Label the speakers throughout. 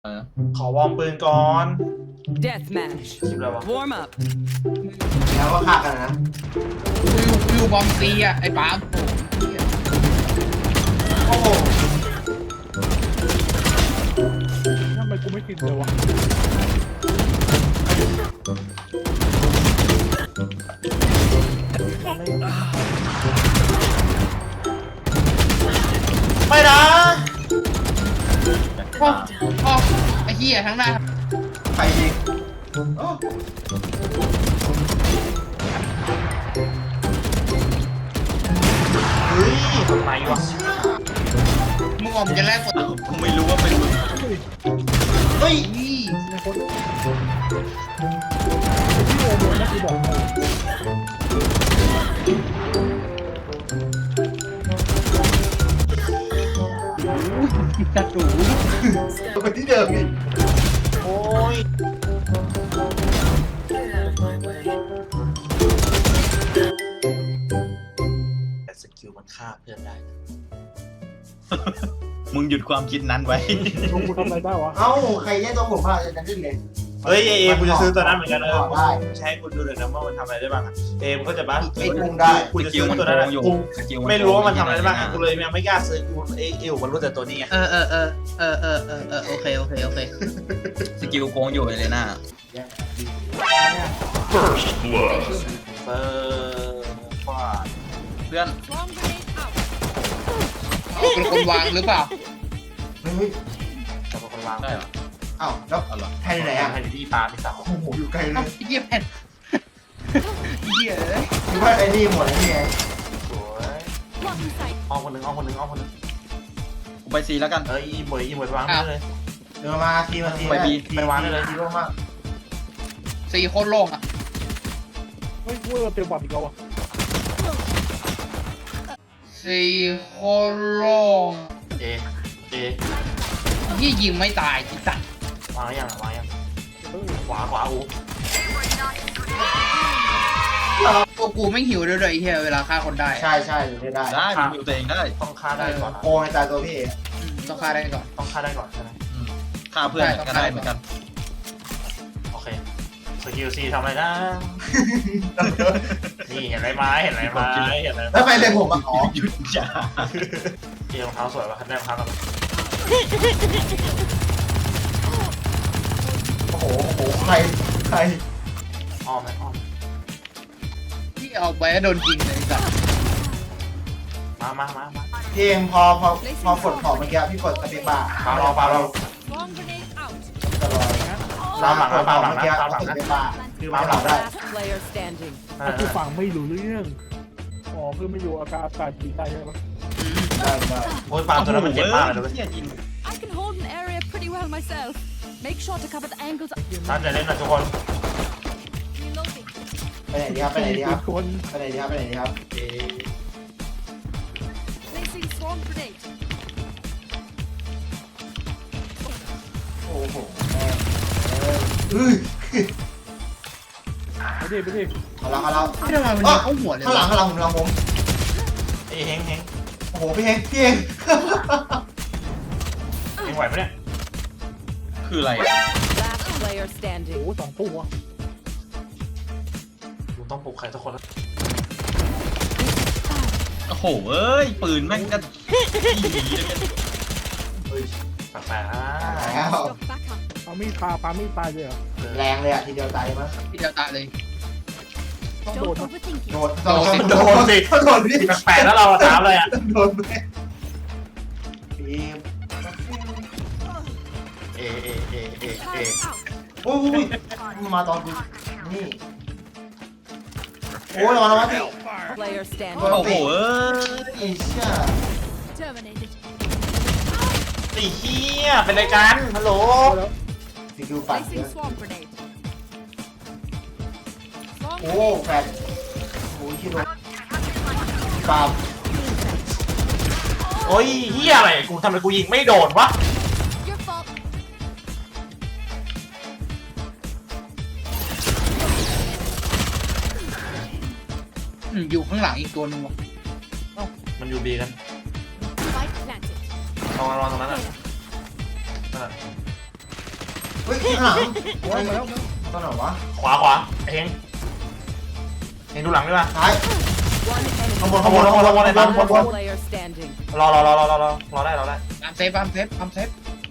Speaker 1: ขอวอร์มปืนก่อน
Speaker 2: Deathmatch.
Speaker 1: ชิบแล้ววะ
Speaker 2: Warm up.
Speaker 3: แล้วก็ฆ่ากันนะ
Speaker 4: วิวบอมซีอ่ะไอ้ป๊า
Speaker 3: โอ้โห
Speaker 5: ทำไมกูไม่กินเลยวะ
Speaker 1: ไม่นะ
Speaker 4: พ่อไอ้เหี้ยทั้งหน้า
Speaker 3: ใครยิงโอ้
Speaker 1: เฮ้ยทำไมวะ
Speaker 4: มึงออกจะแลกกด
Speaker 1: กูไม่รู้ว่าเป็นมึง
Speaker 3: เฮ้ย
Speaker 4: นี่
Speaker 5: ในคนที่โอโมนะกูบอกให้
Speaker 4: จัดหรู
Speaker 3: คนที่เดิมอีก
Speaker 1: โอ้ยแต่สกิลมันฆ่าเพื่อนได้นะ
Speaker 6: มึงหยุดความคิดนั้นไว้
Speaker 5: ลงกูทำอะไรได้วะ
Speaker 3: เอ้าใครแย่งตัวผมพลาดจะดิ้นเลย
Speaker 1: เฮ้ยเอกูจะซื้อตัวนั้นเหมือนกัน
Speaker 3: ได้
Speaker 1: ใช้คุณดูเลยนะว่ามันทำอะไรได้บ้างอะมันก็จะบ้า
Speaker 3: ไอ้กุ้งได้
Speaker 1: กูจะซื้อตัวนั้น
Speaker 6: อยู่
Speaker 1: กู
Speaker 6: สกิล
Speaker 1: ไม่รู้ว่ามันทำอะไรได้บ้างกูเลยยังไม่กล้าซื้อกูมันรู้แต่ตัวนี้ไง
Speaker 4: โอเคโอเคโอเค
Speaker 6: สกิลโกงอยู่เลยนะ
Speaker 1: เออว่า
Speaker 6: เพื่อน
Speaker 4: เป็นคนวางหรือเปล่า
Speaker 3: เฮ้ย
Speaker 1: จะเป็นคนวาง
Speaker 6: ได้เหรอ
Speaker 3: เอ้าแล้ว
Speaker 6: เอาเหรอ
Speaker 3: แทนไหนอ่ะ
Speaker 1: ให้ดีปลาที่สาว
Speaker 3: โอ้โหอยู่ไกลเล
Speaker 4: เอ้าย ไอ้เหี้ยแผ่นไอ้เหี้ยเอ้ย
Speaker 3: คิดว่าไอ้นี่หมดแล้วนี่ไง
Speaker 1: สวยอ้อมคนหนึ่งอ้อมคนหนึ่งอ้อมคนหนึ่ง
Speaker 6: กูไปซีแล้วกัน
Speaker 1: อีหมวยไปวางได้เลย
Speaker 3: เดินมาทีมาที
Speaker 6: ไปบี
Speaker 3: ไปวางได้เลยทีโล่งมาก
Speaker 4: สี่โคตรโล่งอ่ะ
Speaker 5: เฮ้ยกูเต็มบอดอีกแล้ววะ
Speaker 4: สี่โคตรโล่ง
Speaker 1: เอ
Speaker 4: ยี่ยิงไม่ตายจิตัด
Speaker 1: วางยังวางยัง
Speaker 5: เออ
Speaker 1: ขวาอู
Speaker 4: ตัวกูไม่หิวด้วยไอ้เหี้ยเวลาฆ่าคนได้
Speaker 3: ใช่ใช่อยู่ได้
Speaker 6: ได้มึงอยู่ตัวเองได้
Speaker 1: ต้องฆ่าได้ก่อน
Speaker 3: โกงในตายตัวพี่เอง
Speaker 4: ต้องฆ่าได้ก่อน
Speaker 1: ต้องฆ่าได้ก่อนใช่ไหม
Speaker 6: ฆ่าเพื่อนก็ได้เหมือนกัน
Speaker 1: โอเคสกิลซีทำอะไรนะนี่เห็นอะไรไหมเห็นอะไรไหมเห็นอะไร
Speaker 3: แล้วไปเลยผมมาอ๋อ
Speaker 6: หยุดจ้า
Speaker 1: เอรองเท้าสวยป่ะได้รองเท้ากัน
Speaker 3: โอ้โหโอ้โหใคร
Speaker 1: อ้อมไหมอ้อม
Speaker 4: ที่เอาไปแล้วโดนยิงเลยจ้ะ
Speaker 1: มา
Speaker 3: พี่เองพอกดของเมื่อกี้พี่กดสเปซบาร์
Speaker 1: ปาเรา
Speaker 2: Bomb grenade out.
Speaker 3: จะลอยเมื่อกี้กดสเปซบาร์คือมาหลังได้
Speaker 2: Last player standing.
Speaker 5: กูฟังไม่รู้เรื่องอ๋อคือไม่อยู่อากาศดีใจใช่ปะ
Speaker 3: ได้
Speaker 1: โอ้ยปาตัวนั้นมันเจ็บมากเลย
Speaker 6: เหี้ยยิง
Speaker 2: I can hold an area pretty well myself. Make sure to cover the angles.
Speaker 1: ตั้งใจเล่นนะทุกคน
Speaker 2: Reloading.
Speaker 3: ไปไหนดีครับไปไหนดีครับ
Speaker 5: คน
Speaker 3: ไปไหนดีครับไปไหนดีครับ
Speaker 2: Placing swarm grenade.
Speaker 3: โอ้โหแม่เฮ้ย
Speaker 5: ไปดิ
Speaker 3: เอาละ
Speaker 4: ไม่ทำไมมันยิงเข้าหัวเลย
Speaker 3: ข้างหลังผม
Speaker 1: เฮง
Speaker 3: โอ้โหพี่เอง
Speaker 1: ไหวไหมเนี่ย
Speaker 6: คืออะไร
Speaker 2: Last player
Speaker 5: โอ้
Speaker 2: standing.
Speaker 5: โหสองตัว
Speaker 1: กูต้องปลุกใครสักคน
Speaker 6: โอ้โหเอ้ยปืนแม่งก็
Speaker 1: แปลก
Speaker 3: แล้ว
Speaker 2: Stock back up.
Speaker 5: ปามีดปามีดตายเลยเหรอ
Speaker 3: แรงเลยอ่ะทีเดียวตายมั้ง
Speaker 4: ที่เดียวตายเลย
Speaker 5: ต้องโดน
Speaker 2: Don't
Speaker 5: นะ
Speaker 2: overthink it.
Speaker 3: โดนสิโดนพี่
Speaker 1: แปลกแล้วเราถามเลยอ่ะ
Speaker 3: โดนพี่
Speaker 1: เอ
Speaker 2: Time out.
Speaker 3: โอ้ยมาตอนกูนี่โอ้ยระวังพี่
Speaker 2: Player
Speaker 6: โอ้
Speaker 2: standing.
Speaker 6: โหเอ้ย
Speaker 3: ไอ้เชี่ย
Speaker 2: Terminated.
Speaker 1: ตีเฮียเป็นรายการฮัลโหล
Speaker 3: สกิลปั่น
Speaker 2: Placing swarm grenade. Swarm
Speaker 3: โอ้
Speaker 2: grenade.
Speaker 3: แฟนโอ้ยชิโดนปาล์ม
Speaker 1: โอ้ยเฮียอะไรกูทำไมกูยิงไม่โดนวะ
Speaker 2: Your fault.
Speaker 4: อยู่ข้างหลังอีกตัวนึงวะ
Speaker 1: มันอยู่บีกัน
Speaker 2: Spike planted.
Speaker 1: ระวังตรงนั้นอ่ะ
Speaker 3: ฮ้ยข้างหลัง
Speaker 5: โอ้ยมาแล้ว
Speaker 3: ตอนไหนวะ
Speaker 1: ขวาไอ้เฮงเฮงดูหลังด้วยป่ะ
Speaker 3: ซ้าย
Speaker 2: One enemy.
Speaker 3: ข้างบน
Speaker 1: ข้างบนในบ้านข้างบน
Speaker 2: Player standing.
Speaker 1: รอได้
Speaker 4: ตามเซฟตามเซฟตามเซฟ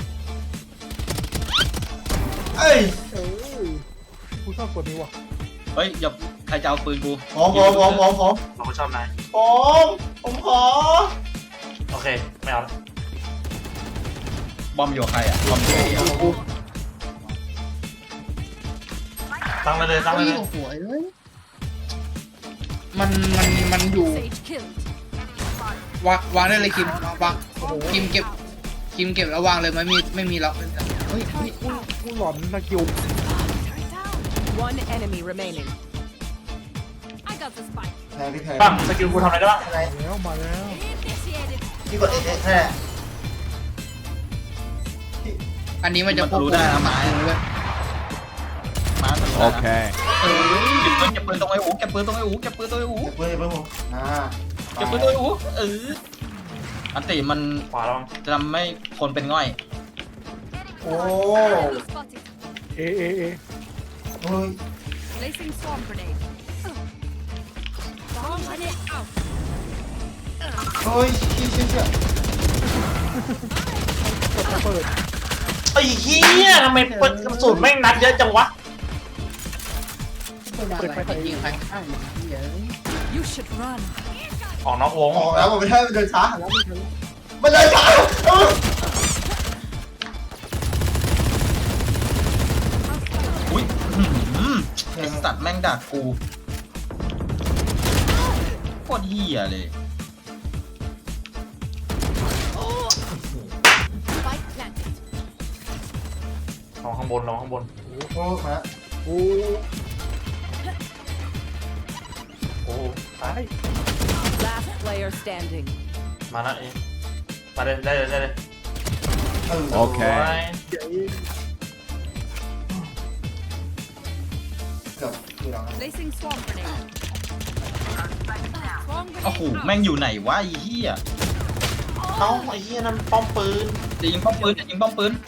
Speaker 3: เอ้ย
Speaker 5: เอ้ยกูชอบกดนี้ว่ะ
Speaker 6: เฮ้ยอย่าใครจะเอาปืนกู
Speaker 3: ผม
Speaker 1: เราชอบนาย
Speaker 3: ผมขอ
Speaker 1: โอเคไม่เอาแล้ว
Speaker 6: บอมอยู่กับใครอ่ะบอมอยู่กับเดียว
Speaker 1: ตั้งเลย
Speaker 4: เฮ้ยโอ้โหเอ้ยมันอยู่
Speaker 2: Sage killed.
Speaker 4: วางได้เลยคิมวางคิมเก็บแล้ววางเลยไม่มีล็อกเฮ้ย
Speaker 5: กูหลอนตะกิว
Speaker 2: One enemy remaining. I got the spike.
Speaker 3: แทนพี่แทน
Speaker 1: ปั้งสกิลกูทำอะไรได้บ้าง
Speaker 3: อะไร
Speaker 5: มาแล้ว
Speaker 2: Initiated.
Speaker 3: พี่กดเอแค่
Speaker 4: อันนี้มันจะควบคุม
Speaker 6: มาทะลุได้นะ
Speaker 7: Okay.
Speaker 6: เก็บปืนตรงไอ้อูเก็บปืนตรงไอ้อูเก็บปืนตรงไอ้อู
Speaker 3: เก็บเพื่อนผม
Speaker 6: เก็บปืนตรงไอ้อูอันติมัน
Speaker 1: ขวาลอง
Speaker 6: จะทำให้คนเป็นง่อย
Speaker 3: โอ้
Speaker 2: Spotted.
Speaker 5: เอ
Speaker 3: โอ้ย
Speaker 2: Placing swarm grenade. Swarm grenade out.
Speaker 3: เฮ้ยเชี่ย
Speaker 5: กดระเบิด
Speaker 1: ไอ้เหี้ยทำไมเปิดกระสุนแม่งนัดเยอะจังวะ
Speaker 4: ยิงใครข้างเหี้ย
Speaker 2: You should run.
Speaker 1: ออกนอกวง
Speaker 3: ออกแล้วผมไม่ให้มันเดินช้า
Speaker 5: แล้วไม่ทัน
Speaker 3: มันเดินช้า
Speaker 6: อุ้ยไอสัตว์แม่งดักกูโคตรเหี้ยเลย
Speaker 2: Spike planted.
Speaker 1: ลองข้างบน
Speaker 3: โอ้มา
Speaker 5: โอ้
Speaker 1: โอ้ตาย
Speaker 2: Last player standing.
Speaker 1: มาแล้วเองมาได้เลย
Speaker 7: โอเค
Speaker 5: เดี๋ยว
Speaker 3: เกือบคือเรา
Speaker 2: Placing swarm grenade. Swarm
Speaker 6: โอ้โห
Speaker 2: grenade
Speaker 6: แม่งอยู่ไหนวะไอ้เหี้ย
Speaker 1: เอ้าไอ้เหี้ยนั่นป้อมปืน
Speaker 6: จะยิงป้อมปืนจะยิงป้อมปืน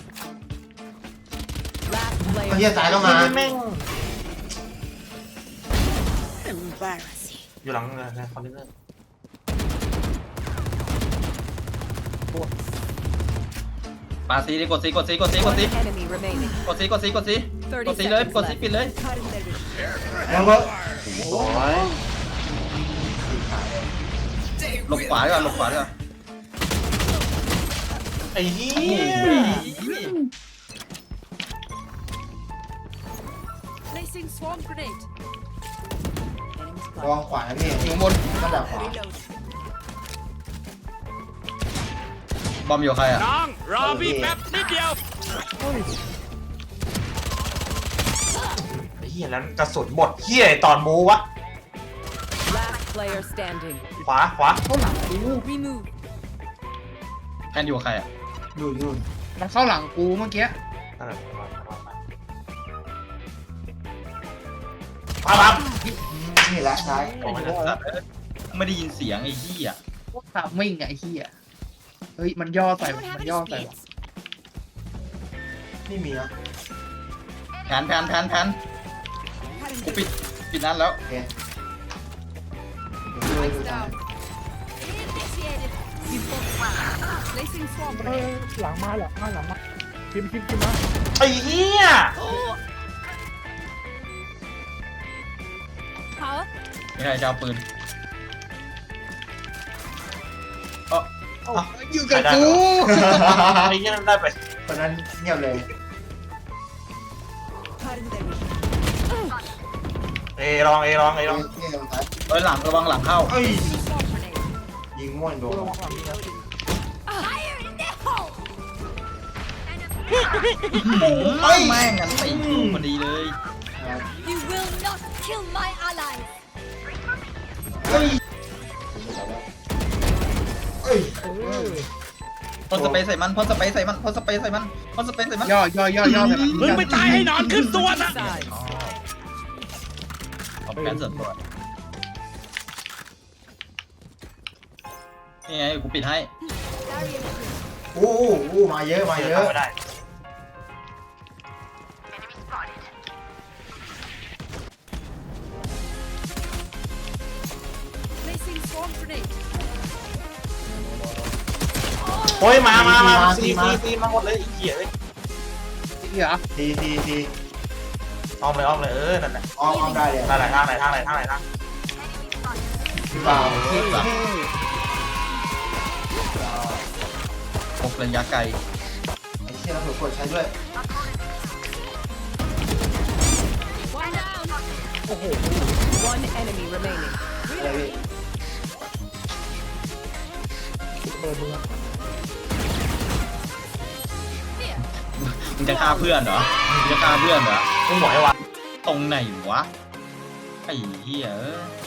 Speaker 2: Last
Speaker 3: ไอ้
Speaker 2: player.
Speaker 3: เหี้ยสายเข้ามา
Speaker 1: แม่ง
Speaker 2: Embarrassing.
Speaker 1: อยู่หลังเลยคอนเทนเนอร์
Speaker 6: ปาซีดิกดซี
Speaker 2: One enemy remaining.
Speaker 6: กดซีเลยกดซีปิดเลย
Speaker 3: แล้วก็
Speaker 1: โอ้ย
Speaker 6: หลบขวาดีกว่าหลบขวาดีกว่า
Speaker 1: ไอ้เหี้ย
Speaker 2: Placing swarm grenade.
Speaker 3: วางขวาพี่
Speaker 4: อยู่บน
Speaker 3: ก็ดักขวา
Speaker 2: Reload.
Speaker 6: บอมอยู่กับใครอ่ะ
Speaker 3: รอพี่แป๊บ
Speaker 5: เฮ้ย
Speaker 1: ไอ้เหี้ยแล้วกระสุนหมดเหี้ยตอนบูวะ
Speaker 2: Last player standing.
Speaker 1: ขวา
Speaker 4: เข้าหลังกู
Speaker 2: Remove.
Speaker 6: แพนอยู่กับใครอ่ะ
Speaker 3: อยู่
Speaker 4: มันเข้าหลังกูเมื่อกี้
Speaker 1: นั่นแหละปั๊บ
Speaker 3: นี่แหละซ้าย
Speaker 6: ไม่ได้ยินเสียงไอ้เหี้ย
Speaker 4: พวกทามมิ่งไอ้เหี้ยเฮ้ยมันย่อใส่มันย่อใส่
Speaker 3: ไม่มีนะ
Speaker 6: แผนกูปิดนั้นแล้ว
Speaker 3: โอเค
Speaker 2: Lights down. Initiated. Placing swarm
Speaker 5: เอ
Speaker 2: grenade.
Speaker 5: อหลังมาคิมมา
Speaker 1: ไอ้เหี้ย
Speaker 2: Power.
Speaker 6: ไม่ใครจะเอาปืน
Speaker 4: อยู่กับกู
Speaker 1: ไอ้เหี้ยนั่นได้ไป
Speaker 3: ตอนนั้นเงียบเลย
Speaker 1: เอลอง
Speaker 3: นี่ลงซ้าย
Speaker 6: เอ้ยหลังระวังหลังเข้า
Speaker 3: เอ้ย
Speaker 2: Swarm grenade.
Speaker 3: ยิงม่วนโดน
Speaker 2: Fire in the hole.
Speaker 6: แม่งงั้นตีกูพอดีเลย
Speaker 2: You will not kill my allies.
Speaker 3: เฮ้ยเอ้ย
Speaker 6: พ่นสเปรย์ใส่มันพ่นสเปรย์ใส่มัน
Speaker 4: ย่อใส่มัน
Speaker 7: มึงไปตายให้นอนขึ้นตัวนะ
Speaker 2: Side.
Speaker 6: เอาแผนเสริมตัวนี่ไงกูปิดให้
Speaker 3: โอ้มาเยอะ
Speaker 1: ไม่ได้โอ้ยมาซีมาหมดเลยไอ้เหี้ยเลย
Speaker 4: ที่เหรอ
Speaker 3: ที
Speaker 1: อ้อมเลยนั่นแหละ
Speaker 3: อ้อมได้เลย
Speaker 1: ทางไหนทาง
Speaker 3: พี่บ่าว
Speaker 6: พกระยะไกล
Speaker 3: ไอ้เชี่ยเราถูกกดใช้ด้วย
Speaker 2: One down.
Speaker 5: โอ้โห
Speaker 2: One enemy remaining.
Speaker 3: อะไรพี่
Speaker 5: เปิดมือ
Speaker 6: มึงจะฆ่าเพื่อนเหรอมึงจะฆ่าเพื่อนเหรอ
Speaker 1: มึงบอกให้วะ
Speaker 6: ตรงไหนวะไอ้เหี้ย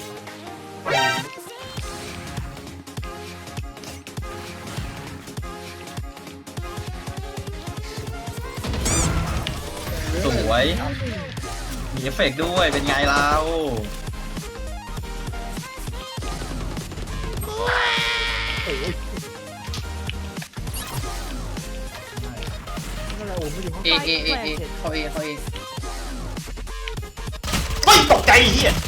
Speaker 6: สวยมีเอฟเฟกต์ด้วยเป็นไงเรา
Speaker 5: นั่นแหละโอ้ไม่อยู่ห้อง
Speaker 4: เอเขาเอ
Speaker 1: เฮ้ยตกใจไอ้เหี้ย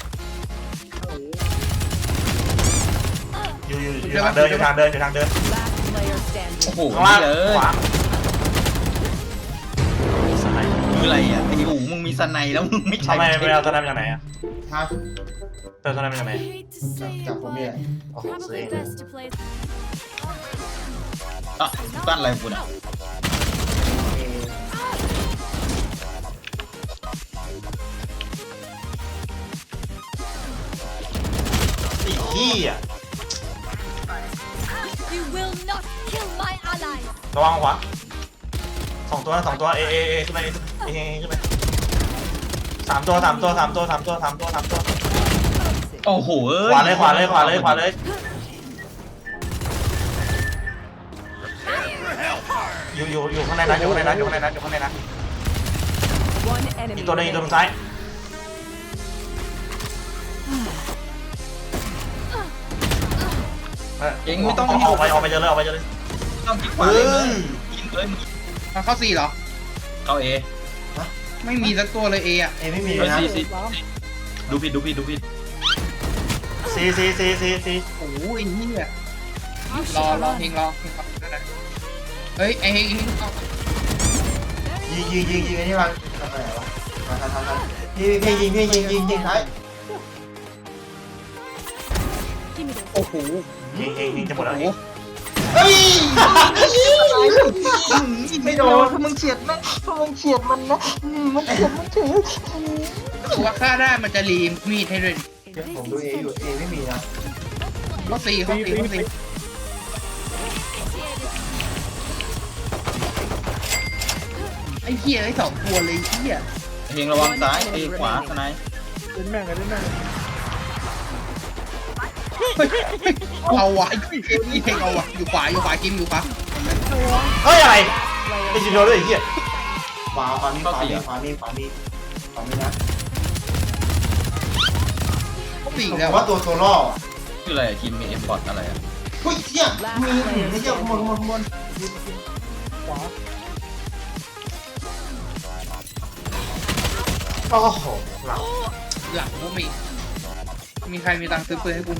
Speaker 1: อยู่ทางเดิน
Speaker 2: Last player
Speaker 6: โอ้
Speaker 2: standing.
Speaker 6: โห
Speaker 1: ข้างล่าง
Speaker 6: เย
Speaker 1: ขวา
Speaker 6: คืออะไรอ่ะไอ้หูมึงมีสไนแล้วมึงไม่ใช่
Speaker 1: ทำไมไม่เอาตอนนั้นมาจากไหนอ่ะ
Speaker 3: ฮะ
Speaker 1: เติมตอนนั้นมาจากไหน
Speaker 2: Hate to say
Speaker 3: จาก
Speaker 2: it,
Speaker 3: ผมเนี่ย
Speaker 1: โอ้โหซื้อ
Speaker 2: probably
Speaker 1: เอง
Speaker 2: best to play.
Speaker 6: อ่ะบ้านอะไรของคุณอ่ะ
Speaker 1: ไอ้เหี้ย
Speaker 2: You will not kill my ally.
Speaker 1: ระวังขวาสองตัวเอขึ้นไปเอขึ้นไปสามตัว
Speaker 6: โอ้โห
Speaker 1: ขวาเลยอยู่ข้างในนั้น
Speaker 2: One
Speaker 1: อี
Speaker 2: enemy
Speaker 1: กตัวนึง
Speaker 2: remaining.
Speaker 1: ซ้ายออกไปเจอเลย
Speaker 6: ต้องคิดขวาเลยยิงเลยมึง
Speaker 4: มันเข้าซีเหรอ
Speaker 6: เข้าเอ
Speaker 4: ไม่มีสักตัวเลยเออะ
Speaker 3: เอไม่มี
Speaker 6: เฮ้ย
Speaker 3: นะ
Speaker 6: ซีดูผิด
Speaker 1: ซี
Speaker 4: โอ้ยเหี้ยรอเพลงเฮ้ยไอ้เฮงเอา
Speaker 3: ยิงไอ้นี่มาทำอะไรวะมาทำพี่ยิงท้าย
Speaker 2: Give me those.
Speaker 4: โอ้โห
Speaker 1: ยิงจะหมดแล้ว
Speaker 3: เฮ้ย
Speaker 6: ไม่โดนถ้ามึงเฉียดมันมันเฉียดมันเฉย
Speaker 4: ตัวฆ่าได้มันจะรีมีดให้ด้วย
Speaker 3: ผมดูเออยู่เอไม่มีนะ
Speaker 4: เขาซีไอ้เหี้ยไอ้สองตัวเลยเหี้ย
Speaker 6: เพลงระวังซ้ายเอขวาสไน
Speaker 5: เล่นแม่งกันเล่นแม่ง
Speaker 4: เอาวะไอ้เพลงเอาวะอยู่ขวากิมอยู่ขวา
Speaker 1: เฮ้ยอะไรไอ้จิโร่ด้วยไอ้เหี้ย
Speaker 3: ขวามีนะ
Speaker 4: เขาปีก
Speaker 3: ผม
Speaker 4: แล้ว
Speaker 3: ว่าตัวล่อ
Speaker 6: คืออะไรทีมมีเอ็มบอทอะไรอ่ะ
Speaker 3: เฮ้ยเชี่ยมีไม่เชี่ยมน
Speaker 5: ขวา
Speaker 1: โอ้โหหลัง
Speaker 4: หลังกูมีใครมีตังค์ซื้อปืนให้กูไหม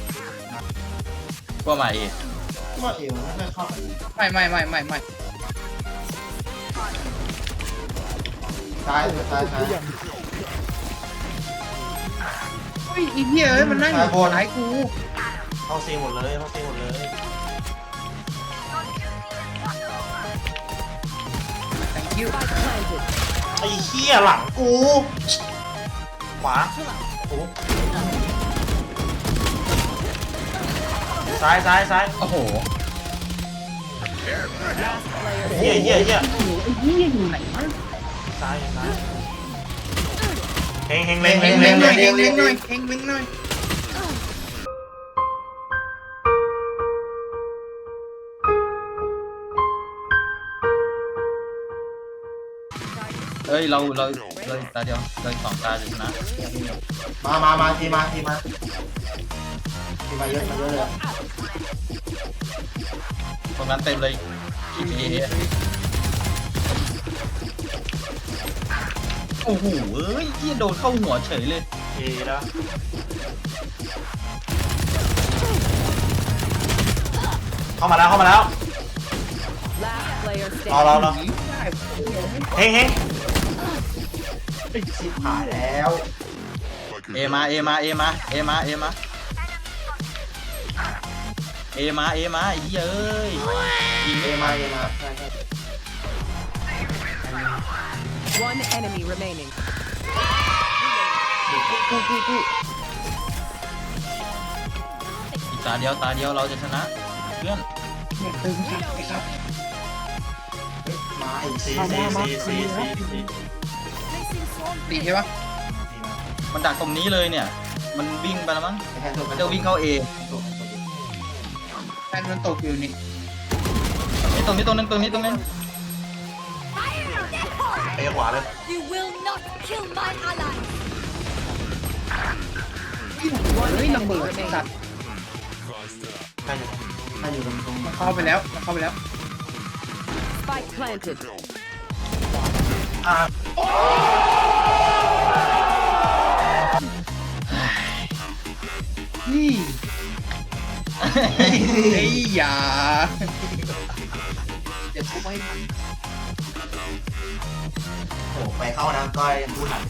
Speaker 6: ก็มาเอ
Speaker 3: ว่าเอมันไม่เข้า
Speaker 4: ไม่
Speaker 3: ซ้าย
Speaker 4: เฮ้ยไอ้เหี้ยเอ้ยมันนั่งอยู่ท้ายกู
Speaker 1: เข้าซีหมดเลย
Speaker 4: thank you
Speaker 2: Spike planted.
Speaker 1: ไอ้เหี้ยหลังกูขวาโอ้ซ้าย
Speaker 4: โอ้โห
Speaker 2: Last player
Speaker 1: เหี้ย
Speaker 4: ไอ้เหี้ยอยู่ไหนวะ
Speaker 1: ซ้ายเฮงเล็ง
Speaker 4: เล็งหน่อยเล็งหน่อย
Speaker 6: เฮ้ยเราตาเดียวเราสองตาจะชนะ
Speaker 3: มาทีมาเยอะเลย
Speaker 6: ตรงนั้นเต็มเลยทีเอโอ้โหเอ้ยที่โดนเข้าหัวเฉยเลย
Speaker 1: เอแล้วเข้ามาแล้ว
Speaker 2: player
Speaker 1: รอ
Speaker 2: standing.
Speaker 1: เฮ้ย
Speaker 3: ชิบหายแล้ว
Speaker 6: เอมาเอมาเอมาเอมาเอมาเอมาเอมาไอ้เหี้ยเอ้ยยิง
Speaker 3: เอ
Speaker 6: เอ
Speaker 3: มา
Speaker 6: มา
Speaker 3: เอมาใช่ใช่
Speaker 2: One enemy remaining.
Speaker 6: อีกตาเดียวเราจะชนะเพื่อน
Speaker 3: มาอีก
Speaker 1: ซี
Speaker 4: ดีใช่ปะ
Speaker 6: มันดักตรงนี้เลยเนี่ย มันวิ่งไปแล้วมั้ง
Speaker 3: แทนตัว
Speaker 6: มันจะวิ่งเข้าเอ
Speaker 4: แฟนมันตกอยู่นี่
Speaker 6: นี่ตรงนี้ตรงนึงตรงนี้ตรงนี้
Speaker 1: เอขวาเลย
Speaker 2: You will not kill my ally.
Speaker 4: เฮ้ยระเบิดสัตว์
Speaker 1: ใกล้อยู่
Speaker 3: ถ้าอยู่ตรง
Speaker 4: มันเข้าไปแล้ว
Speaker 2: Spike planted.
Speaker 1: อ่า
Speaker 4: นี่เฮ้ยอย่าเดี๋ยวทุบให้มัน
Speaker 3: โอ้ไปเข้านะก้อยพูดหัน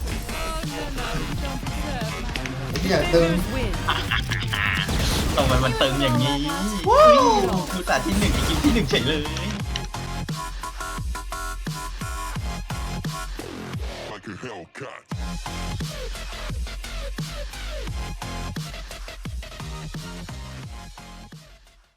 Speaker 3: ที่อยากดึง
Speaker 2: Win.
Speaker 6: ทำไมมันตึงอย่างนี้คือแต่ที่หนึ่งกินที่หนึ่งเฉยเลย
Speaker 7: Like a Hellcat.